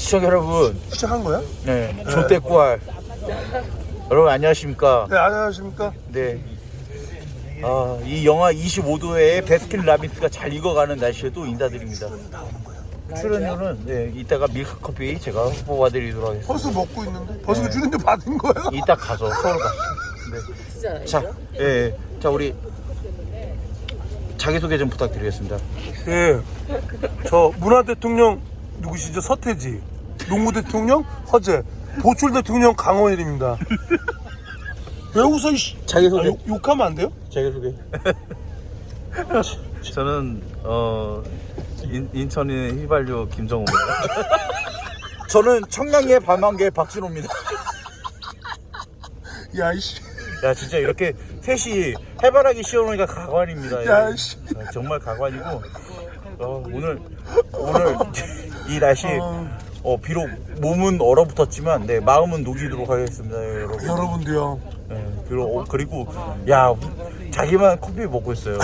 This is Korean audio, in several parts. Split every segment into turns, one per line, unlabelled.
시청자 여러분,
시작한 거야?
네, 조대꾸알 여러분 안녕하십니까?
네, 안녕하십니까?
네, 이 영하 25도에 베스킨라빈스가 잘 익어가는 날씨에도 인사드립니다. 출연료는 네, 이따가 밀크커피 제가 뽑아드리도록 하겠습니다.
벌써 먹고 있는데? 벌써 주는데 받은 거야?
이따 가서 서울 가서. 네. 자, 예, 자 우리 자기소개 좀 부탁드리겠습니다.
예. 저 문화 대통령 누구시죠? 서태지. 농구 대통령 허재. 보출 대통령 강원일입니다. 왜 웃어?
자기소개.
욕하면 안 돼요?
자기소개. 저는 인천의 휘발유 김정호입니다. 저는 청량리의 밤한개 박진호입니다.
야 이씨.
야 진짜 이렇게 셋이 해바라기 씌워놓으니까 가관입니다.
야 이씨.
정말 가관이고 오늘 이 날씨 비록 몸은 얼어붙었지만 네 마음은 녹이도록 하겠습니다, 여러분.
여러분도요.
네, 그리고 야 자기만 커피 먹고 있어요.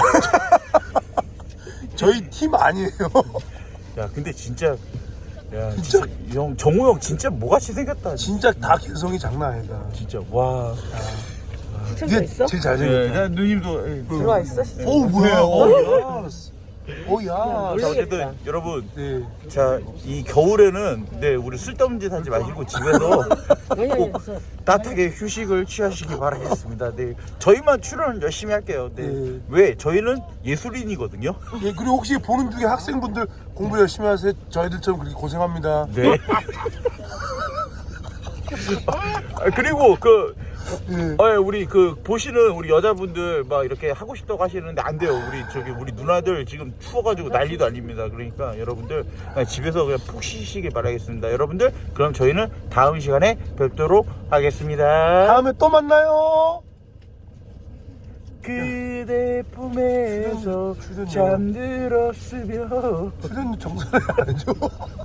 저희 팀 아니에요.
야 근데 진짜 진짜 형 정우 형 진짜 뭐같이 생겼다.
진짜 다 개성이 장난 아니다.
진짜 와.
이게 제일 잘생겼다.
누님도
들어와 있어?
어우 뭐야? 오야.
자 어쨌든 여러분
네.
자 이 겨울에는 네 우리 쓸데없는 짓 하지 마시고 집에서 꼭 따뜻하게 휴식을 취하시기 바라겠습니다. 네 저희만 출연 열심히 할게요. 네.
네.
왜 저희는 예술인이거든요.
예, 그리고 혹시 보는 중에 학생분들 공부 열심히 하세요. 저희들처럼 그렇게 고생합니다.
네. 그리고 우리 보시는 우리 여자분들 막 이렇게 하고 싶다고 하시는데 안 돼요. 우리 누나들 지금 추워가지고 난리도 아닙니다. 그러니까 여러분들 그냥 집에서 그냥 푹 쉬시길 바라겠습니다. 여러분들 그럼 저희는 다음 시간에 뵙도록 하겠습니다.
다음에 또 만나요.
그대 품에서
출연료.
잠들었으며
출연료 정산을 안 해줘.